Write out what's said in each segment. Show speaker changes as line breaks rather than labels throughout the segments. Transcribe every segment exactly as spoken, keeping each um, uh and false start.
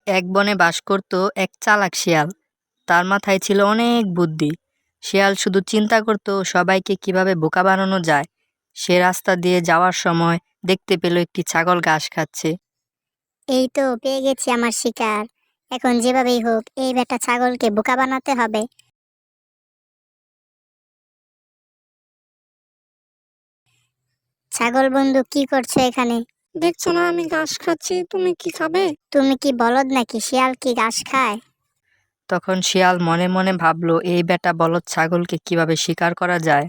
এক বনে বাস করত এক চালাক শিয়াল। তার মাথায় ছিল অনেক বুদ্ধি। শিয়াল শুধু চিন্তা করত সবাইকে কিভাবে বোকা বানানো যায়। সে রাস্তা দিয়ে যাওয়ার সময় দেখতে পেল একটি ছাগল ঘাস খাচ্ছে।
এই তো পেয়ে গেছি আমার শিকার। এখন যেভাবেই হোক এই বেটা ছাগলকে বোকা বানাতে হবে। ছাগল বন্ধু, কি করছো এখানে?
দেখছো না আমি ঘাস খাচ্ছি, তুমি কি খাবে?
তুমি কি বলদ নাকি? শিয়াল কি ঘাস খায়?
তখন শিয়াল মনে মনে ভাবল, এই বেটা বলদ ছাগলকে কিভাবে শিকার করা যায়।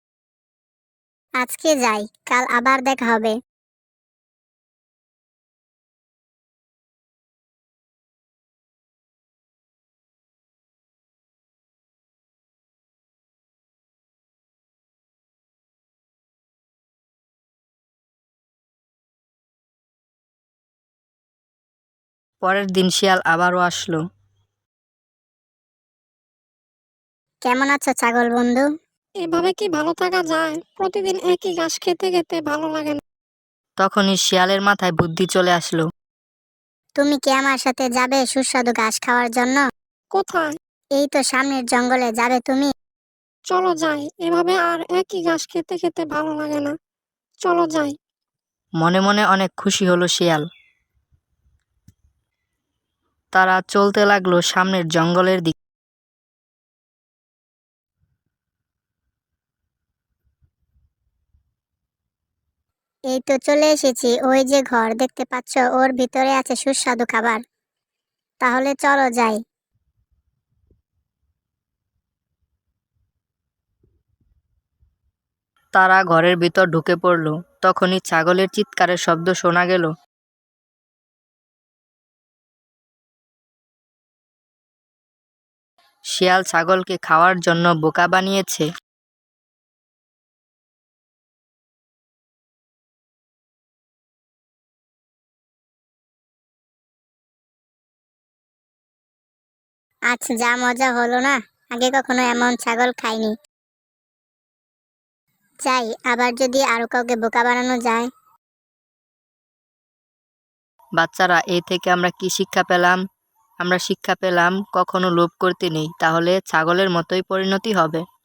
আজকে যাই, কাল আবার দেখা হবে।
পরের দিন শিয়াল আবারও আসলো।
কেমন আছো ছাগল বন্ধু?
এভাবে কি ভালো থাকা যায়? প্রতিদিন একই ঘাস খেতে খেতে ভালো লাগে না।
তখনই শিয়ালের মাথায় বুদ্ধি চলে আসলো।
তুমি কি আমার সাথে যাবে সুস্বাদু ঘাস খাওয়ার জন্য?
কোথায়?
এই তো সামনের জঙ্গলে যাবে তুমি।
চলো যাই, এভাবে আর একই ঘাস খেতে খেতে ভালো লাগে না। চলো যাই।
মনে মনে অনেক খুশি হলো শিয়াল। তারা চলতে লাগলো সামনের জঙ্গলের দিকে।
এই তো চলে এসেছি। ওই যে ঘর দেখতে পাচ্ছ, ওর ভিতরে আছে সুস্বাদু খাবার। তাহলে চলো যাই।
তারা ঘরের ভিতর ঢুকে পড়ল। তখনই ছাগলের চিৎকারের শব্দ শোনা গেল। শিয়াল ছাগলকে খাওয়ার জন্য বোকা বানিয়েছে।
আজ যা মজা হলো না, আগে কখনো এমন ছাগল খাইনি। যাই, আবার যদি আরো কাউকে বোকা বানানো যায়।
বাচ্চারা, এই থেকে আমরা কি শিক্ষা পেলাম? আমরা শিক্ষা পেলাম কখনো লোভ করতে নেই, তাহলে ছাগলের মতোই পরিণতি হবে।